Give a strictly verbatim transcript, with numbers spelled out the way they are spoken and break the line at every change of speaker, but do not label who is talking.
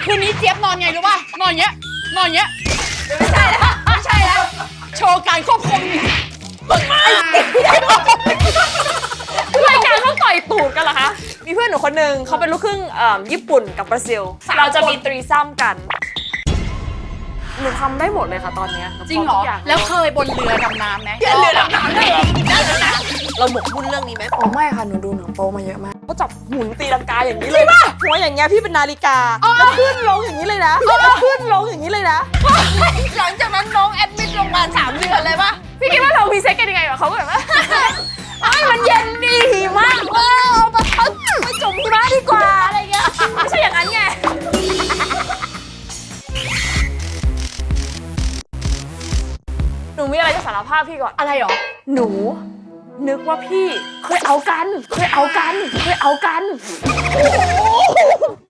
คืนนี้เจี๊ยบนอนไงรู้ป่ะนอนเงี้ยนอนเงี้ยไม่ใช่แล้วไม่ใช่แล้วโชว์การควบคุมฝึกมาก
รายการเขาต่อยตูดกันเหรอคะมีเพื่อนหนูคนหนึ่งเขาเป็นลูกครึ่งญี่ปุ่นกับบราซิลเราจะมีตรีซัมกันหนูทำได้หมดเลยค่ะตอนนี้
จริงเหรอแล้วเคยบนเรือดำน้ำไหมเรือดำน้ำได้
เราหมกมุ่นเรื่องนี้ไหม
อ๋อไม่ค่ะหนูดูหนังโป๊มาเยอะมากเขาจับหมุนตีลังกาอย่างนี้เลยหัวอย่างเงี้ยพี่เป็นนาฬิกาแล้วขึ้นลงอย่างนี้เลยนะแล้วขึ้นลงอย่างนี้เลยนะ
หลังจากนั้นน้องแอดมิดโรงพยาบาลสามเดือนเลยปะ
พี่คิดว่าเรามีเซ็กกันยังไงกับเขาแบบว่าไอ้มันเย็นดีมากเออเอามาทักไปจุ่มหิมะดีกว่าอะไรเงี้ยไม่ใช่อย่างนั้นไงหนูมีอะไรจะสารภาพพี่ก่อน
อะไรหรอ
หนูนึกว่าพี่เคยเอากันเคยเอากันเคยเอากัน